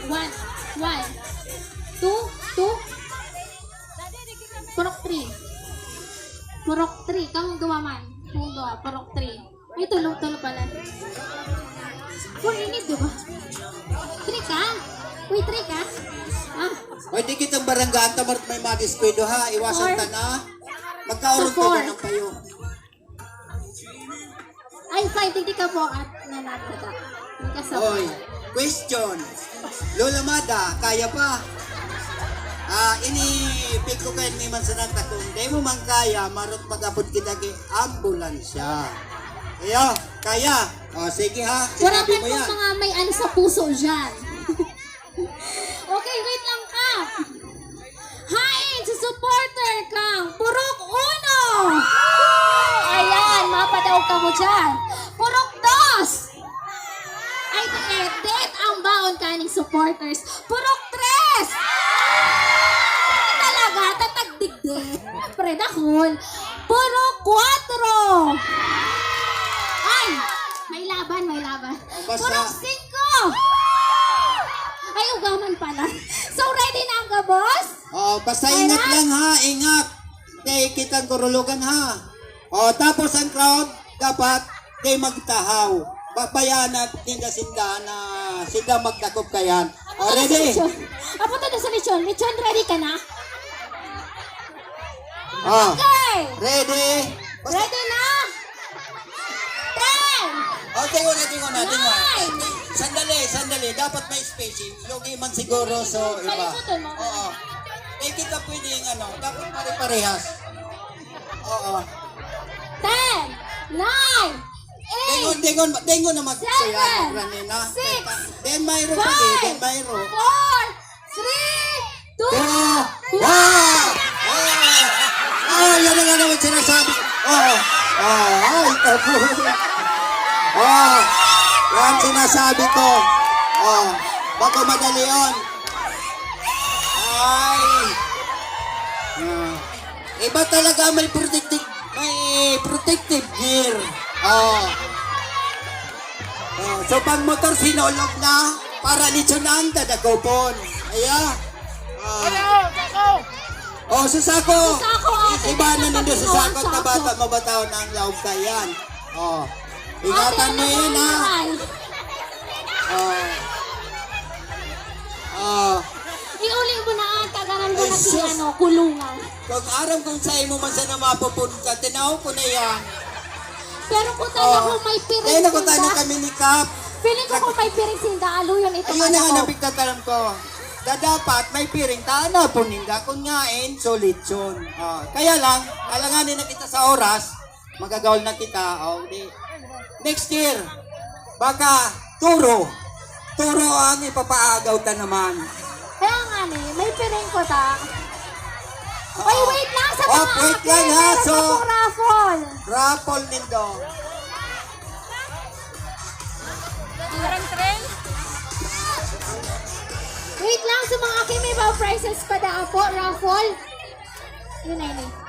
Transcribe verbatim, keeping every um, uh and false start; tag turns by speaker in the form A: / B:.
A: One. One. Two. Two. Purok three. Purok three. Kamong gawa man. Kamong gawa. Purok three. Ay, tulong-tulong pala. Four init, diba? Three ka? Uy, three ka? Ah.
B: Pwede kitang baranggaan tamar may madiskwento ha. Iwasan
A: Four.
B: ta na. Magkaurog
A: So,
B: ka
A: four.
B: ba ng payo?
A: Ay, five. Hindi ka po at nanagkata. Hindi ka sa
B: Oy, question. Lola Mada, kaya pa? Ah, ini pick ko kayo ni Mansananta kung di mo man kaya, marot magabot kita kay ambulansya. Ayo, kaya? O, sige ha,
A: Wala
B: sinabi
A: ka
B: mo yan.
A: mga may ano sa puso dyan. Okay, wait lang ka. Hain sa supporter kang Purok Uno. Ayan, mapadaw ka mo dyan. Purok Dos. Ay, edit ang baon kaning supporters. Purok Tres. Talaga, tatagdigdig. Predakol. Purok Cuatro. Ay, may laban, may laban.
B: basta-
A: Purok Cinco. Ay, ugaman pala. So, ready na ang ka, boss?
B: O, basta ingat
A: Kaya?
B: lang ha, ingat. Di kitang kurulugan ha. O, tapos ang crowd, dapat di magtahaw. Babayaan natin na sinda na sinda magdakop kayan. O, ready?
A: Apo tayo sa lechon. Lechon, ready ka na?
B: O,
A: Okay.
B: ready? Basta,
A: Ready na? Ten.
B: o, tingon na, tingon na, tingon.
A: Nine.
B: Sandali, sandali. Dapat may spacing. Yogi man siguro, so iba.
A: Palimutan mo.
B: Oo. Di kita pwedeng ano, dapat pare-parehas. Oo.
A: Ten. Nine.
B: Dengon,
A: Eight.
B: dengon, dengon na magkaya.
A: Seven.
B: Ranina.
A: Six.
B: Den mayro pa di, den
A: Five.
B: mayro.
A: Four. Three. Two.
B: Oh! Wow! Oh, yan na nga naman sinasabi. Oh, oh, ay, tapo. Oh, yan sinasabi ko. Oh, baka madali yun. Ay. Ah. Iba talaga may protective, may protective gear. Oh. Oh, so pag motor sinulog na, para litsunan, dadagopon. Ayan. Ah. Oh, sa sako.
A: Sa sako, ate.
B: Iba na nandun sa
A: Sa
B: sako,
A: sako.
B: tabata, mabataw na ang laog ka yan. Oh. Ingatan mo yun, ha? Oh. Oh.
A: Iuling mo na ang kaganan mo
B: Ay,
A: na si
B: sus.
A: ano, kulungan.
B: Kung aram kung sa'yo mo man sa na mapupunta, tinaw ko na yan.
A: Pero kung tayo
B: Oh.
A: kung may piring
B: Dahil ako tayo
A: sinda,
B: kami ni Kap.
A: feeling ko kung may piring sinda, aluyon ito
B: Ayun na nga
A: ako.
B: napigtatalam ko. Da dapat may piring tana po ninda kung ngain solid yun. Oh, kaya lang, alanganin na kita sa oras, magagawal na kita. Oh, di. Next year, baka turo. Turo ang ipapaagaw ta naman.
A: Kaya nga ni, may piring ko ta.
B: Oo.
A: Ay, wait lang sa
B: Oh,
A: mga
B: wait
A: akin,
B: lang, ha?
A: meron
B: So-
A: akong raffle.
B: Rapol nindo.
A: Wait lang sa mga akin, may mga prizes pa da po, raffle. Yun na yun eh.